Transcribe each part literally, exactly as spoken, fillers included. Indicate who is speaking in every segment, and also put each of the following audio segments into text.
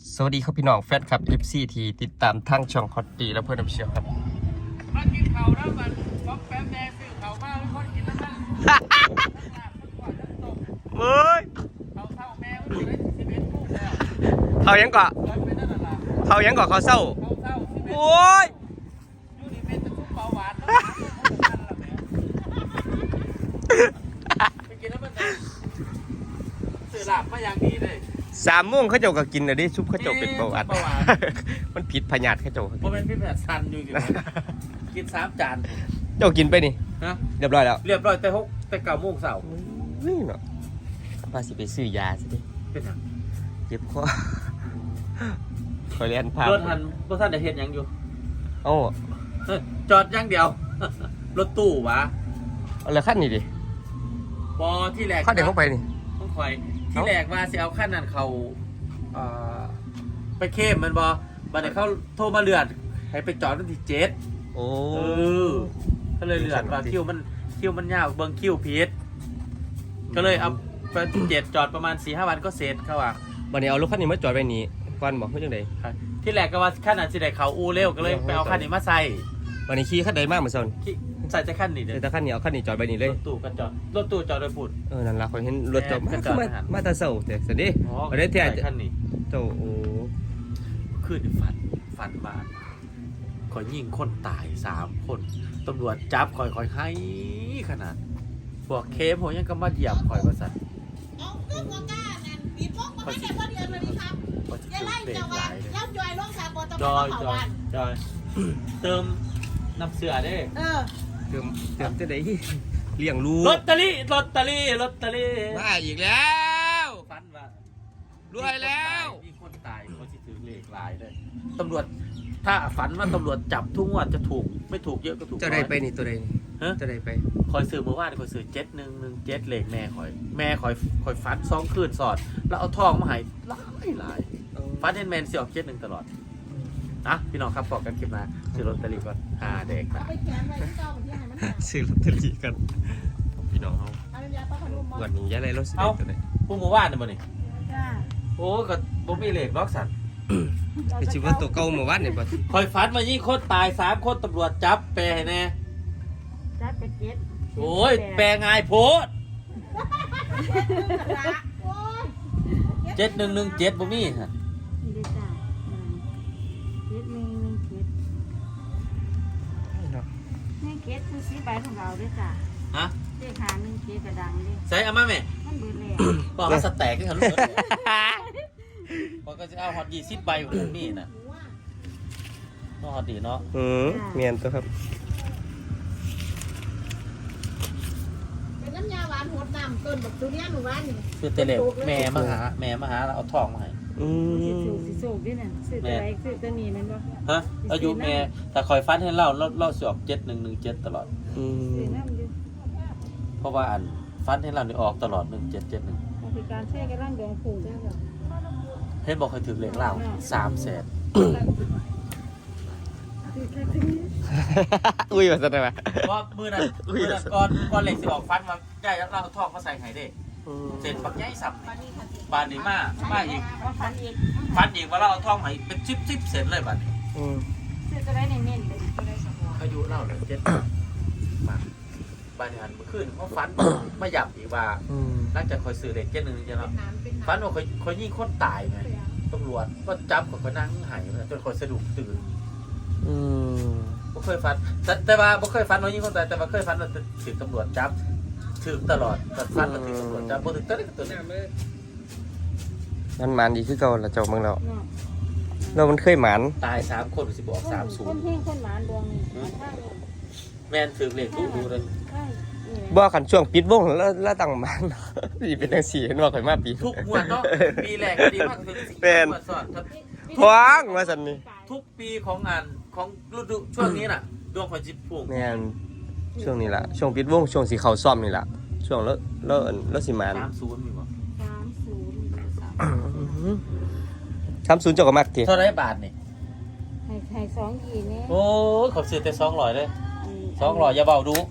Speaker 1: สวัสดีครับพี่น้องแฟนครับ เอฟ ซี ที่ติดตามทั้งช่องคอตตีและเพื่อนน้ำเชียวครับ
Speaker 2: มากินเขาแล้วมันป๊อกแป๊บแดงซื้อเขามาไม่ค่อยกินแล้วนะ
Speaker 1: เฮ้ย
Speaker 2: เขาเศร้าแม่ไม่ได้สิบเอ็ดลูกแล้ว
Speaker 1: เขายังเกาะเขายังเกาะเขาเศร้า
Speaker 2: เขาเศร้า
Speaker 1: โอ้ย
Speaker 2: ยูนิเมนจะชุบเบาหวานแล้วไปกินแล้วมันสื่อหลับมาอย่างดีเลย
Speaker 1: สามโมงเขาเจ้าก็กินเลยดิซุปเขาเจ้าเป็นเบาหวานมันผิดพยาธิเขาเจ้า
Speaker 2: เพราะเป็นพี่แผดซันอยู่กินกินสามจาน
Speaker 1: เจ้ากินไปนี่
Speaker 2: ฮะ
Speaker 1: เรียบร้อยแล้ว
Speaker 2: เรียบร้อยแต่หกแต่เก้าโมงเสาร์
Speaker 1: นี่เนาะพาสิไปซื้อยาสิ
Speaker 2: เป็นทาง
Speaker 1: เจ็บคอคอยเรียนพาร
Speaker 2: ถทันรถทันได้เห็นยังอยู่
Speaker 1: โอ้
Speaker 2: จอดอย่างเดียวรถตู้วะ
Speaker 1: เอาเลยขั้นนี้ดิ
Speaker 2: บอที่แรก
Speaker 1: ขั้นเดี๋ยวเข้าไปนี่
Speaker 2: ต้องคอยที่แรกว่าจะเอาขั้นนั้นเขาไปเข้มมันบอบัดนี้เขาโทรมาเลือดให้ไปจอดตั้งที่เจ็ด
Speaker 1: โอ้
Speaker 2: ก็เลยเลือดว่าคิวมันคิวมันยาวเบิ้งคิวพีชก็เลยเอาไปเจ็ดจอดประมาณสี่ห้าวันก็เสร็จเขาว่า
Speaker 1: บัดนี้เอารถขั้นนี้มาจอดไว้นี่ควันบอกเพื่อจังได
Speaker 2: ที่แรกก็ว่าขั้นนั้นสิได้เขาอูเร็วก็เลยไปเอาขั้นนี้มาใส่
Speaker 1: บัดนี้ขี่ขั้นใดมากเหมือนกัน
Speaker 2: ใส่จะขั้นนี้เด้อ
Speaker 1: แต่ขั้นนี้เอาขั้นนี้จอดไว้นี่เลย
Speaker 2: รถตู้ก็จอดรถตู้จอดโดยปุ่น
Speaker 1: เออนั่นล่ะคนเห็นรถจอดมามาตาเสาแต่สวัสดีประเด็นที่อาจจะ
Speaker 2: ขั้นนี้
Speaker 1: โตโอ้
Speaker 2: ขึ้นฝันฝันมาคอยยิงคนตายสามคนตำรวจจับคอยคอยให้ขนาดพวกเคมผมยังก็มาเหยียบคอยประสัน
Speaker 3: เอาเครื่องหัวก้านั่นปีพกมาได้พอเดือนเลยนี่ครับยายไล่เจ้าว่าแล้วจอยลงสาบตะวันเขาวัน
Speaker 2: จอยเติมน้ำเสือได้
Speaker 3: เออ
Speaker 1: เติมเติมจะได้เลี้ยงลูก
Speaker 2: ลอตเตอรี่ลอตเตอรี่ลอตเตอรี่
Speaker 1: มาอีกแล้ว
Speaker 2: ฟันว่
Speaker 1: ารวยแล้ว
Speaker 2: มีคนตายเขาจะถือเลขหลายเลยตำรวจถ้าฝันว่าตำรวจจับทุกงวดจะถูกไม่ถูกเยอะก็ถูก
Speaker 1: จะได้ไปนี่ตัวใด
Speaker 2: ฮะ
Speaker 1: จะได้ไป
Speaker 2: คอยซื้อเมื่อวานคอยซื้อเจ็ดหนึ่งหนึ่งเจ็ดเลขแม่คอยแม่คอยคอยฟันสองคืนสอดแล้วเอาทองมาให้หลายหลายฟันเห็นแมนเสียออกเจ็ดหนึ่งตลอดนะพี่น้องครับบอกกันคลิปมาซื้อลอตเตอรี่ก่อนหาเด็กนะ
Speaker 1: ซื้อลอตเตอรี่กันพี่น้องเขาวันนี้ยังไงรถสิเอา
Speaker 2: พวกหมู่บ้านเนี่ยบ่นี่โอ้ก็บ่มีเลขล็อกสัน
Speaker 1: ไปชิว่าตัวเก่าหมู่บ้านเนี่ยบ่
Speaker 2: คอยฝันมายี่คนตายสามคนตำรวจจับแปรให้แน่
Speaker 3: จับไปเจ็ด
Speaker 2: โอ้ยแปรง่ายโพดเจ็ดหนึ่งหนึ่งเจ็ดบ่มีฮะ
Speaker 3: เกตคือสีใบของเราด้วยจ้ะ
Speaker 2: ฮะ
Speaker 3: เลขหาหนึ่งเกตกระดังเลย
Speaker 2: ใส่เอามาไหม
Speaker 3: มันเบิดเลย
Speaker 2: บอกว่าสแต็กที่เขาลูกพอก็จะเอาฮอตยี่สิบใบของผมนี่นะก็ฮอตดีเนาะ
Speaker 1: อืมเมียนตัวครับ
Speaker 3: เป็นน้ำยาหวานหดน้ำต้นแบบตัวนี้หนูว่านี่
Speaker 2: คือเตเล็บแม่มาหาแม่มาหาเราเอาทองมาให้
Speaker 1: อืม
Speaker 3: สิสูสิสูด้วยน่ะซื้อตัวไหนซื้อตัวนี้มันบ่
Speaker 2: ฮะอายุแม่แต่คอยฟันให้เล่าเล่าเล่าสอบเจ็ดหนึ่งหนึ่งเจ็ดตลอด
Speaker 1: อืม
Speaker 2: เพราะว่าอันฟันให้เราเนี่ยออกตลอดหนึ่งเจ็ดเจ็ดหนึ่ง
Speaker 3: เป็นการแช่กระร่างดวงผูได้หรอ
Speaker 2: เห็นบอกเคยถึงเหรียญเล่าสามแสน
Speaker 1: อุ้ยว่าจะได้ไหม
Speaker 2: ว่ามือนั้นมือนั้นก่อนก่อนเหล็กสิออกฟันมาใหญ่แล้วเราทองเขาใส่ไข่เด็กเสร็จปักใหญ่สับบานนี้มามาอีกฟันอีกว่าเราเอาทองใหม่เป็นชิปชิปเสร็จเลยบานนี้
Speaker 3: ซื้อตัวได้เน้นๆเลยตัวได้สมบูรณ์
Speaker 2: อายุเล่าเลยเจ็ดมาบานนี้หันเมื่อคืนเขาฟันไม่หยับอีกว่าน่าจะคอยซื้อเด็กเจ็ดหนึ่งจะเนาะฟันว่าคอยคอยยิ่งคนตายไงตำรวจก็จับกับเขานั่งหายจนคอยสะดุ้งตื่นบ่เคยฟันแต่ว่าบ่เคยฟันว่ายิ่งคนตายแต่ว่าเคยฟันว่าถึงตำรวจจับถึงตลอดแต่ฟันว่าถึงตำรวจจับบ่ถึงตัวนี้ก็ตัวนี้
Speaker 1: มันหมานดีคือเก่าละเจ้าเมืองเราเรามันเคยหมาน
Speaker 2: ตายสามคนสิบอกสามศูนย์
Speaker 3: คนเพ่งคนหมานดวง
Speaker 2: แม่นถึงเลขดูดูเลย
Speaker 1: บ่ขันช่วงปิดวงแล้วแล้วตั้งหมานนี่เป็นจังซี่เห็นว่าข่อยมาปี
Speaker 2: ทุกงวดเนาะปีแรกดีมากคือ
Speaker 1: เป็นพวงว่าซั่นนี่
Speaker 2: ทุกปีของงานของฤดูช่วงนี้น่ะดวงข่อยสิพุ่ง
Speaker 1: แม่นช่วงนี้ล่ะช่วงปิดวงช่วงสิเข้าซ่อมนี่ล่ะช่วงแล้วแล้วแล้วสิหมาน
Speaker 2: สามศูนย์มีบ่
Speaker 3: สามศูนย์
Speaker 1: สามศูนย์เจ้าก็มักติ
Speaker 2: เท่าไรบาทนี่
Speaker 3: ให้ให้สองยี่นี่
Speaker 2: โอ้เขาซื้อแต่สองร้อยเลยสองร้อยอย่าเบาดู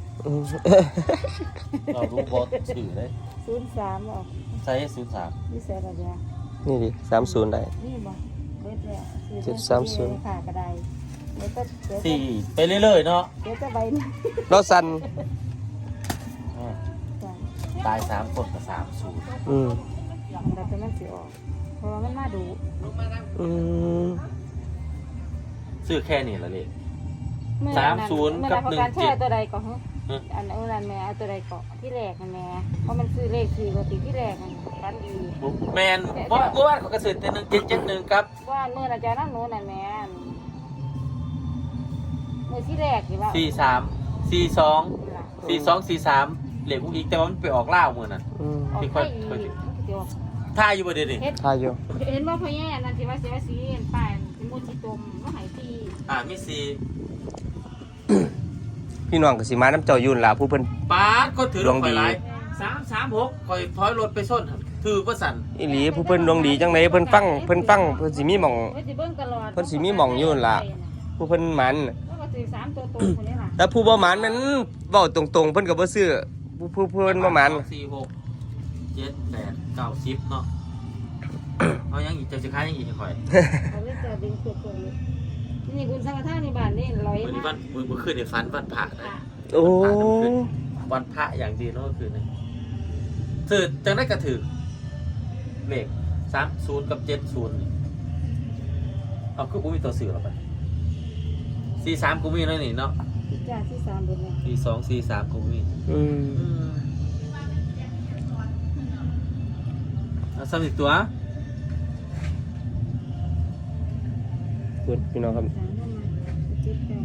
Speaker 2: เราดูบอสสื่อเลย
Speaker 3: ศูนย์สามออก
Speaker 2: ใช่ศูนย์สาม
Speaker 3: นี่เสียอะไร
Speaker 1: นี่ดิสามศูนย์ได้
Speaker 3: นี่บ่
Speaker 1: เจ็ดสามศูนย์
Speaker 4: ค่ะกระไดเดี๋ยวก็เดี๋ยว
Speaker 2: สี่ไปเรื่อยๆเนาะ
Speaker 4: เดี๋ยวจะใบนี้
Speaker 1: เราสั่น
Speaker 2: อ่า
Speaker 4: จ้ะ
Speaker 2: ตายสามคนกับสามศูนย์
Speaker 1: อืม
Speaker 4: เราจะมันสิออกเพราะว่ามันมาดู
Speaker 1: อืม
Speaker 2: ซื้อแค่นี้ละเลย
Speaker 4: เมื่อ
Speaker 2: สามศูนย์กับหนึ่งเจ็ด
Speaker 4: มื่อตัวใดก่อนฮะ
Speaker 2: ฮะ
Speaker 4: อันนั้นแม่เอาตัวใดก่อนที่แรกนั่นแม่เพราะมันซื้อเลขสี่ปกติที่แรกมันกันดี
Speaker 2: แมนเมื่อเมื่อวานเขากระสือแต่หนึ่งเจ็ดเจ็ดหนึ่งครับ
Speaker 4: ว่าเมื่ออาจารย์นั่นโน้นน่ะแม่เมื่อที่แรกนี่ว่า
Speaker 2: สี่สามสี่สองสี่สองสี่สามเหล็กอุ้งอีกแต่ว่ามันไปออกล่าวมือนั่น
Speaker 1: อืม
Speaker 4: ออก
Speaker 2: ที่
Speaker 4: ไป
Speaker 2: ค่อย
Speaker 4: อีก
Speaker 2: ค่อย
Speaker 4: เดี๋ยว
Speaker 2: ท่าอยู่บ่เดี๋ยวนี้
Speaker 4: เฮ็ด
Speaker 1: ทายอยู่
Speaker 4: เห็นว่าพ่อแย่นั่นที่ว่าเสียสีเห็นป้ายเป็นมูลที่ตมว่าหายตี
Speaker 2: อ่ามีสี่
Speaker 1: พี่น้องก็สิมาน้ำเจ้ายุ่นล่ะผู้เพิ่น
Speaker 2: ป้าดก็ถือ
Speaker 1: ดวงดี
Speaker 2: ข่อยหลายสามสามหกข่อยถอยรถไปส้นหั่นถือว่าสั่น
Speaker 1: อีหลีผู้เพิ่นดวงดีจังไดเพิ่นฟังเพิ่นฟังเพิ่นสิมีหม่อง
Speaker 4: เพิ่นสิเบิ่งตลอด
Speaker 1: เพิ่นสิมีหม่องอยู่นั่นล่ะ ผู้เพิ่นหมัน
Speaker 4: แล้วก็ถือสามตัวตรงคนนี้ล่ะ
Speaker 1: แต่ผู้บ่หมันมันเว้าตรงๆเพิ่นก็บ่ซื้อผู้ผู้ผู้เพิ่นบ่หมัน
Speaker 2: สองสี่หกเจ็ดแปดเก้าสิบเนาะ เอายังอีกจะสิค้ายยังอีกจะข่อย
Speaker 4: เขาเลยจะดึงตัวตัวนี้นี่คุณสังฆทานในบ้านนี่ร้อย
Speaker 2: วันนี้
Speaker 4: มา
Speaker 2: วันมือมือคืนในฝันวันพระนะ
Speaker 1: โอ้
Speaker 2: วันพระอย่างดีเนาะก็คือนี่ถือจังได้กระถือเลขสามศูนย์กับเจ็ดศูนย์เอาคือกูมีตัวสื่อหรอปะสี่สามกูมีแล้วนี่เนาะ
Speaker 4: จ้าที่สามบนเนี่ย
Speaker 2: สี่สองสี่สามกูมี
Speaker 1: อืม
Speaker 2: เอาสามสิบตัว
Speaker 1: คุณพี่น้องครับ
Speaker 4: สามเข้ามาเจ็ดแปด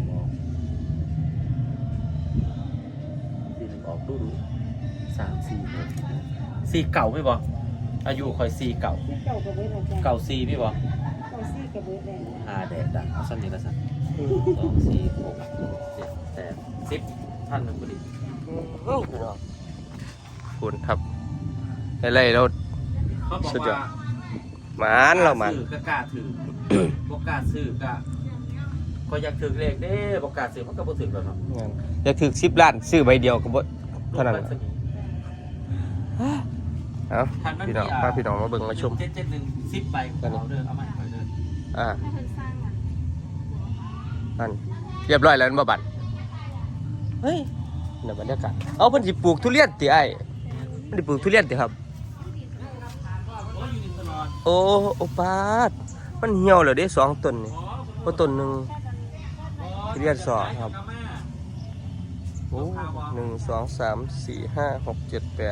Speaker 2: สี่หนึ่งออกดูดูสามสี่หกสี่เก่าไม่บอกอายุคอยสี่เก่า
Speaker 4: ที่เก่ากับเบิร์ดจ้า
Speaker 2: เก่าสี่ไม่บอก
Speaker 4: เก่าซี่กับเบิร์ดเลย
Speaker 2: ห้าแดดดังเอาสั้นนี้ละสั้นสองสี่หกเจ็ดแปดสิบท่านหนึ่งพอดี
Speaker 1: พี่น้องคุณครับอะไรเรา
Speaker 2: เขาบอก
Speaker 1: สุดยอ
Speaker 2: ว่า
Speaker 1: ด หมานเราหมาน
Speaker 2: ซื้อก็กล้าถือ บอกกล้าซื้อก็ก็อยากถือเลขเด้บอกกล้าซื้อมันก็บ่ถือแล้วเนาะ
Speaker 1: งานอยากถึกสิบล้านซื้อใบเดียวก็บ่เท่านั้น
Speaker 2: ลูก
Speaker 1: ล่ะ
Speaker 2: มันสนิท
Speaker 1: เอ้า
Speaker 2: คันมัน
Speaker 1: พี่น้อง
Speaker 2: มี
Speaker 1: พาพี่น้องมาเบิ่งมาชม
Speaker 2: เจ็ดเจ็ดหนึ่งสิบใบของเราเด้อเอามาให้ข่อยเด้อ
Speaker 1: อ่า
Speaker 4: ให้เพิ่นสร้างอ่ะ
Speaker 1: นั่นเรียบร้อยแล้วบ่บัดเฮ้ยน่ะบรรยากาศเอาเพิ่นสิปลูกทุเรียนติไอ้เพิ่นสิปลูกทุเรียนติครับ
Speaker 2: โอ้ยอยู่ในตลอด
Speaker 1: โอ้โอปาดมันเหี่ยวแล้วเด้สองต้นนี่เพราะต้นหนึง ทุเรียนสอครับ โอ้หนึ่งสองสามสี่ห้าหกเจ็ดแปด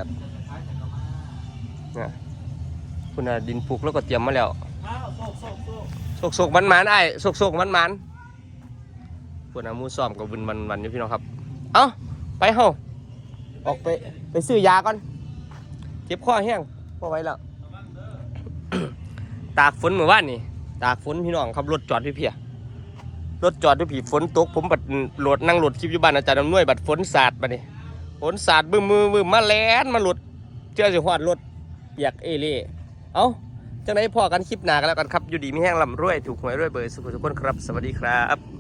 Speaker 1: นะคุณน่ะดินปลูกแล้วก็เตรียมมาแล้ว
Speaker 2: อ้าวโซกโซกโซก
Speaker 1: โศกโศกมันมันๆไอ้โศกโศกมันมันคุณน่ะหมูซ้อมกับบุญมันมันอยู่พี่น้องครับ เอ้าไปเฮาออกไปไปซื้อยาก่อนเจ็บคอแห้งพอไหว้แล้ว ตากฝนเมื่อวานนี่ตากฝนพี่น้องครับรถจอดพี่เพียรถจอดด้วยผีฝนตกผมบัดโหลดนั่งโหลดคลิปอยู่บ้านอาจารย์อำนวยบัดฝนสาดบัดนี่ฝนสาดบึ้มมือบึ้มมาแล่นมาโหลดเจ้าสิฮอดรถเปียกเอเล่เอ้าจังได๋พอกันคลิปหน้ากันแล้วกันครับอยู่ดีมีแห้งลำรวยถูกหวยรวยเบอร์สุขทุกคนครับสวัสดีครับ